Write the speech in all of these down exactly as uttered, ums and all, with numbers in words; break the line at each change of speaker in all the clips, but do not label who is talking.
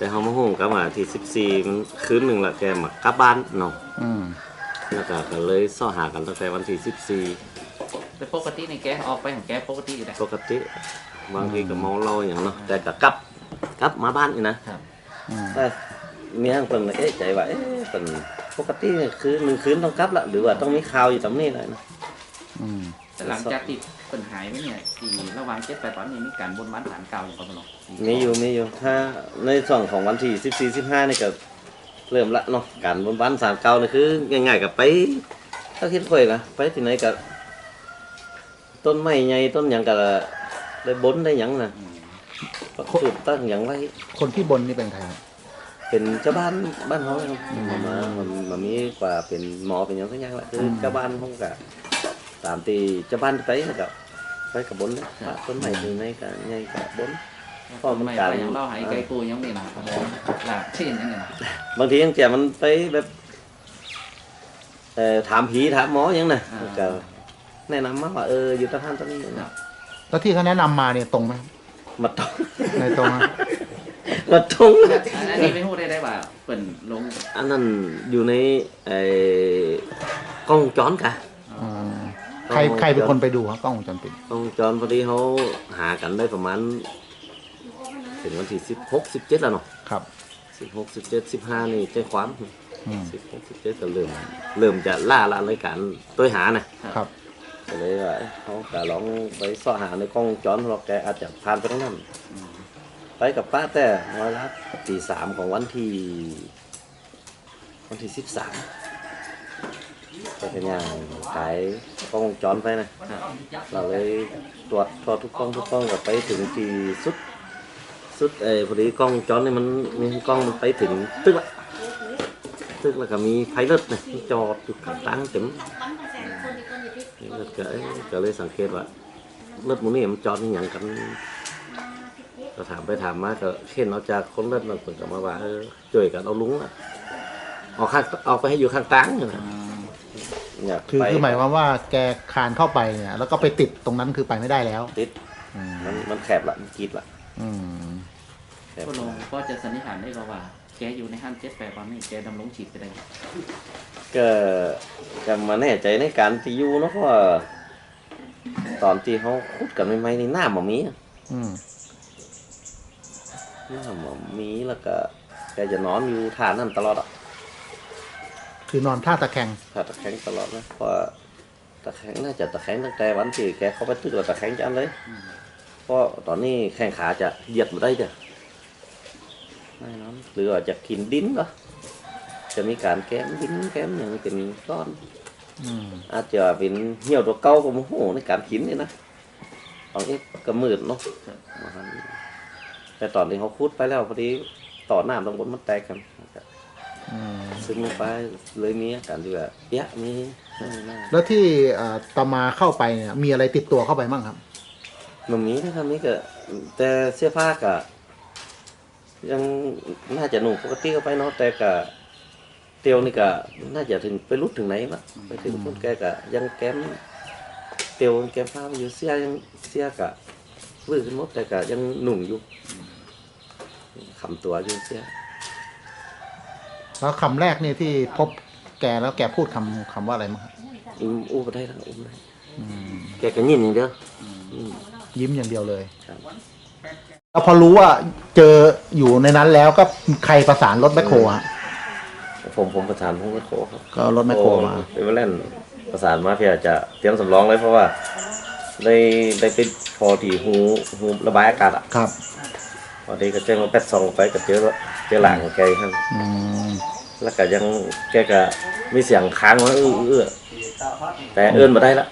แต่เขามาหุ้งกับมาที่สิบสี่มันคืนหนึ่งละแกมากลับบ้านเนาะแล้วก็ก็เลยซ้อหากันตั้งแต่วันที่สิบสี่
แต่ปกติในแกออกไปของแกปกติอยู่แล้ว
ปกติบางทีก็เมาเหล้าอย่างเนาะแต่ก็กลับกลับมาบ้านอีกนะแต่มีทางเพิ่นเอ๊ะใจว่าเอ๊ะเพิ่นปกติคือหนึ่งคืนต้องกลับละหรือว่าต้องมีข่าวอยู่ตรงนี้เลยนะ
แต่หลังจากที่เพิ่นหายไปเนี่ยที่ระหว่างเจ็ดแปดตอนนี้มีการบนบ้านฐานเก่าอย่างไรบ้าง
มีอยู่มีอยู่ถ้าในส่วนของวันที่สิบสี่สิบห้านี่ก็เริ่มละเนาะการบนบ้านศาลเก่านี่คือง่ายๆกับไปถ้าคิดค่อยนะไปที่ไหนกับต้นไม้ใหญ่ต้นหยังกับได้บนได้หยังนะสูตรตั้งหยังไว้
คนที่บนนี่เป็นใคร
เป็นเจ้าบ้านบ้านเขาครับมามามามีกว่าเป็นหมอเป็นอย่างสักอย่างแหละคือเจ้าบ้านเขากับตามตีเจ้าบ้านไปกับไปกับบนนะต้นไม้ที่ไหนกับใหญ่กับบน
พ่อมันการยังเล่าหายไกลกูยังไม่มาหลับเช่นยังไง
บางทียังแจมันไปแบบเอ่อถามผีถามหมอยังนะก็แนะนำมาว่าเอออยู่ตรงท่านตรงนี้นะ
แล้วที่เขาแนะนำมาเนี่ยตรงไหม
มาตรง
ในตรง
มาตรง
อันนี้ไม่พูดได้ได้ว่าเปิ่นลง
อันนั้นอยู่ในไอ้กล้องจ้อนกะ
ใครใครเป็นคนไปดูครับกล้องวงจรปิด
กล้องจอนพอดีเขาหากันได้ประมาณถึงวันที่สิบหกสิบเจ็ดแล้วเนาะ
ครับ
สิบหกสิบเจ็ดสิบห้านี่แจ้งความสิบหกสิบเจ็ดก็เริ่มเริ่มจะล่าละรายการตัวหานะครับก็เลยว่าเขาจะลองไปซ่อหาในกล้องจอนเราแกอาจจะผ่านไปทั้งนั้นไปกับป้าแต่มาละตีสามของวันที่วันที่สิบสามไปเป็นอย่างขายกล้องจอนไปนะเราเลยตรวจทอทุกกล้องทุกกล้องกับไปถึงที่สุดสุดเออพอดีกล้องจอนนี่มันมีกล้องมันไปถึงตึกละตึกแล้วก็มีไพลอตนะจอดอยู่ข้างตั้งเต็มก็ก็เลยสังเกตว่ารถมันนี่มันจอดอย่างกันก็ถามไปถามมาก็เห็นเอาจากคนเลือดมันเปิดกลับมาว่าเออช่วยกันเอาลุงอ่ะเอาข้างเอาไปให้อยู่ข้างตั้งนะ
คือคือหมายความว่าแกคานเข้าไปเนี่ยแล้วก็ไปติดตรงนั้นคือไปไม่ได้แล้ว
ติดมันมันแคบละมันกีดละ
ก็ลงก็จะสันนิษฐานได้ว่าแกอยู่ในห้างเจ็ดแปดตอนนี้แกดำรงฉีดไปได้
ก็จะมาแน่ใจในการที่อยู่เนาะเพราะตอนที่เขาคุดกันใหม่ๆนี่หน้าหมอมีหน้าหมอมีแล้วก็แกจะนอนอยู่ท่านั่นตลอดอ่ะ
คือนอนท่าตะแคง
ท่าตะแคงตลอดนะเพราะตะแคงน่าจะตะแคงตั้งแต่วันที่แกเขาไปตึกแล้วตะแคงจังเลยเพราะตอนนี้แข้งขาจะเหยียดมาได้จ้ะไม่นอนหรือว่าจะกินดินเหรอจะมีการแก้มดินแก้มอย่างเป็นก้อนอาจจะเป็นเหี่ยวตัวเก่ากับโมโหในการกินนี่นะตอนนี้ก็มืดเนาะแต่ตอนที่เขาคูดไปแล้วพอดีต่อหน้าตรงบนมันแตกกันซึ่งไปเลยมีอาการที่แบบเยอะมี
แล้วที่ตามาเข้าไปเนี่ยมีอะไรติดตัวเข้าไปบ้างครับ
มันมีนะครับนี่ก็แต่เสื้อผ้าก็ยังน่าจะหนุ่มปกติเข้าไปเนาะแต่ก็เตียวนี่ก็น่าจะถึงไปรุดถึงไหนละไปถึงต้นแกก็ยังแก้มเตียวแก้มผ้าอยู่เสื้อยังเสื้อกะวื้อขึ้นหมดแต่ก็ยังหนุ่มอยู่คำตัวอยู่เสื้อ
แล้วคำแรกนี่ที่พบแกแล้วแกพูดคำคำว่าอะไรมั้ง
อุ้มอุ้มได้ทั้งอุ้มได้แกก็ยิ้มอย่างเดียว
ยิ้มอย่างเดียวเลยแล้วพอรู้ว่าเจออยู่ในนั้นแล้วก็ใครประสานรถแมคโครฮะ
ผมผมประสานรถแมคโครครับ
ก็รถแมคโครมา
เป็นว่าเล่นประสานมาเพื่อจะเตรียมสำรองเลยเพราะว่าได้ได้ไปพอที่หูหูระบายอากาศอ่ะ
ครับ
พอดีก็แจ้งมาแปดซองไปกับเจอเจอหลังของแกครับแล้วก็ยังแกก็มีเสียงค้างว่าอื้ออื้อแต่เอื้อนมาได้ละ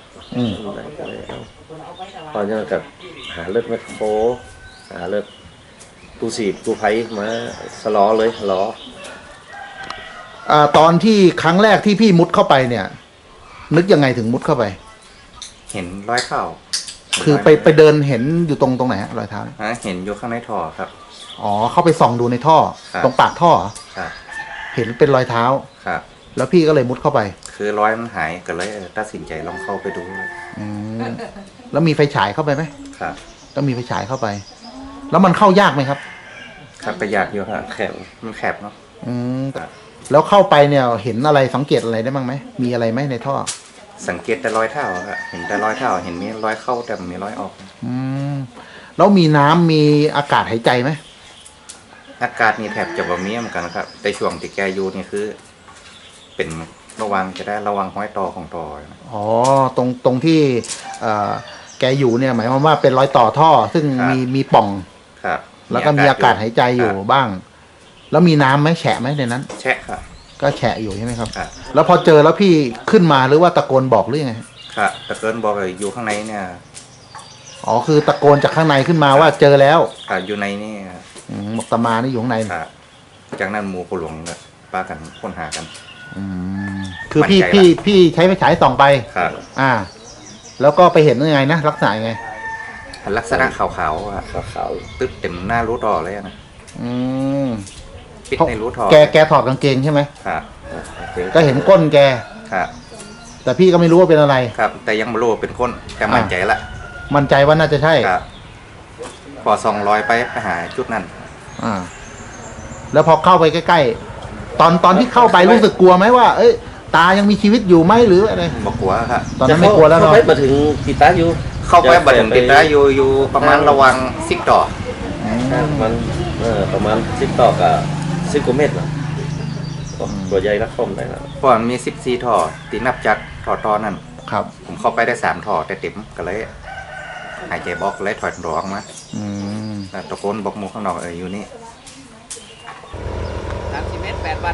พอจะกับหาเลือดแมคโครหาเลือดตูสีตูไผ่มาสล้อเลยล้อ
อ่าตอนที่ครั้งแรกที่พี่มุดเข้าไปเนี่ยนึกยังไงถึงมุดเข้าไป
เห็นรอยเท้า
คือไปไปเดินเห็นอยู่ตรงตรงไหนฮะรอยเท้า
ฮะเห็นอยู่ข้างในท่อครับ
อ๋อเข้าไปส่องดูในท่อตรงปากท่อ
ครับ
เห็นเป็นรอยเท้า
ครับ
แล้วพี่ก็เลยมุดเข้าไป
คือรอยมันหายก็เลยตัดสินใจลองเข้าไปดู
อืมแล้วมีไฟฉายเข้าไปไหม
ครับ
ต้องมีไฟฉายเข้าไปแล้วมันเข้ายากไหมครับ
ครับประหยัดอยู่ครับ
แคบ
มันแคบเนาะ
อืมแล้วเข้าไปเนี่ยเห็นอะไรสังเกตอะไรได้บ้างไหมมีอะไรไหมในท่อ
สังเกตแต่รอยเท้าครับเห็นแต่รอยเท้าเห็นมีรอยเข้าแต่ไม่มีรอยออก
อืมแล้วมีน้ำมีอากาศหายใจไหม
อากาศนี่แทบจะบ่มีเหมือนกันนะครับแต่ช่วงที่แกอยู่นี่คือ เป็นระวังจะได้ระวังห้อยต่อของต่อนะ
อ๋อตรงตรงที่เอ่อแกอยู่เนี่ยหมายความว่าเป็นรอยต่อท่อ ซึ่ง
ครับ
มีมีปล่อง
ครับ
แล้วก็มีอากาศหายใจอยู่
ครับ
บ้าง แล้วมีน้ำไหมแฉะไหมในนั้น
แช่ครับ
ก็แฉะอยู่ใช่ไหมครับ
ครับ
แล้วพอเจอแล้วพี่ขึ้นมาหรือว่าตะโกนบอกหรือยังไง
ครับแต่เกินบอกว่าอยู่ข้างในเนี่ย
อ๋อคือตะโกนจากข้างในขึ้นมาว่าเจอแล้ว
ครับอยู่ในนี่
อืมบอกตามานี่อยู่ข้างใน
ครับจากนั้นหมู่ผู้หลวงก็ปากันค้นหากัน
อืมคือพี่
มั่นใจ
พี่
ละ
พี่ใช้ไฟฉายส่องไป
ครับ
อ่า แล้วก็ไปเห็นยังไงนะลักษณะยังไง
ลักษณะขาวๆอะ
ขาว
ตึ๊บเต็มหน้ารูต่อเลยนะ
อืม
ปิดในรูท่อ
แกแกถอดกางเกงใช่ไหม
ครับ
ๆ
ก็เห็นก้นแก
ครับ
แต่พี่ก็ไม่รู้ว่าเป็นอะไร
ครับ แต่ยังไม่รู้ว่าเป็นคนแต่มั่นใจละ
มั่นใจว่าน่าจะใช่
ครับพอสองร้อยไปไปหาจุดนั้น
อ่า แล้วพอเข้าไปใกล้ๆ ตอนตอนที่เข้าไปรู้สึกกลัวไหมว่า เอ้ย ตายังมีชีวิตอยู่ไหมหรืออะไร
บอกกลัวครับ
ตอนนั้นไม่กลัวแล้วเนาะ
เข้าไปมาถึงติดตาอยู่
เข้าไปบัดถึงติดแล้วอยู่อยู่ประมาณระวังซิกต่อ
อืม
มันเออประมาณสิบต่อกับสิบกว่าเมตรนะตัวใหญ่นักคอมได้นะ
เพราะมันมีสิบสี่ท่อตีนับจากท่อตอนนั้น
ครับ
ผมเข้าไปได้สามท่อแต่เต็มก็เลย หายใจบอกเลยถอยร้องมา
อืม
แล้วตะโกนบอกหมูข้างนอกเอออยู่นี่
สามสิบเมตรแปดวัน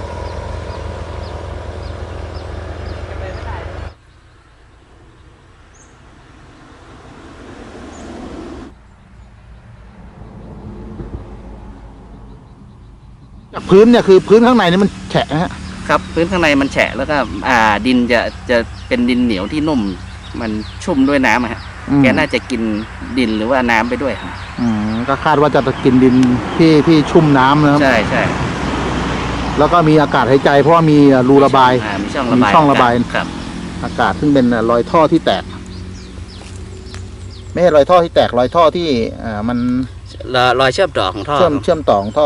จากพื้นเนี่ยคือพื้นข้างในนี่มันแฉะนะฮะ
ครับพื้นข้างในมันแฉะแล้วก็อ่าดินจะจะเป็นดินเหนียวที่นุ่มมันชุ่มด้วยน้ำอะฮะ
อืม
แกน่าจะกินดินหรือว่าน้ำไปด้วยครับ
อืมก็คาดว่าจะกินดินที่ที่ชุ่มน้ำนะครับ
ใช่ใช่
แล้วก็มีอากาศหายใจเพราะว่ามีรูระบาย
อ่มีช่องระบาย
มีช่องระบาย
ครับ
อากาศซึ่งเป็นรอยท่อที่แตก ไม่ใช่รอยท่อที่แตกรอยท่อที่อ่ามัน
รอยเชื่อมต่อของท่อ
เชื่อมเชื่อมต่อของท่อ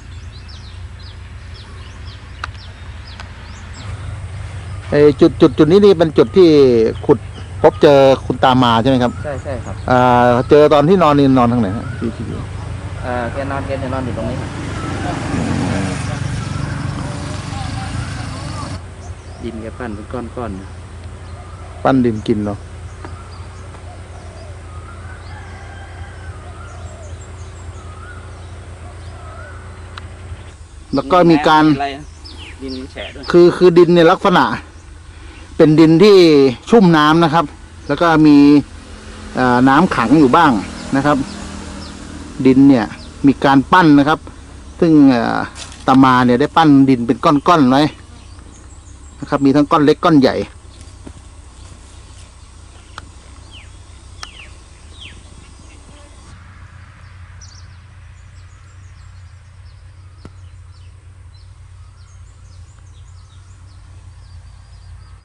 ไอจุดจุดจุดนี้นี่เป็นจุดที่ขุดพบเจอคุณตามาใช่ไหมครับ
ใช่ใช่ครับ
อ่าเจอตอนที่นอนนี่นอนทางไหนฮะที่ที่อยู่
อ่าแกนอนแกจะนอนอยู่ตรงนี้ครับดินแกปั้นเป็นก้อนๆอยู่
ปั้นดินกินเนาะแล้วก็มีการ
อะไรนะดินมันแฉะด้วย
คือคือดินเนี่ยลักษณะ เป็นดินที่ชุ่มน้ำนะครับ แล้วก็มีเอ่อน้ำขังอยู่บ้างนะครับ ดินเนี่ยมีการปั้นนะครับ ซึ่งเอ่อตามาเนี่ยได้ปั้นดินเป็นก้อนๆไว้นะครับ มีทั้งก้อนเล็กก้อนใหญ่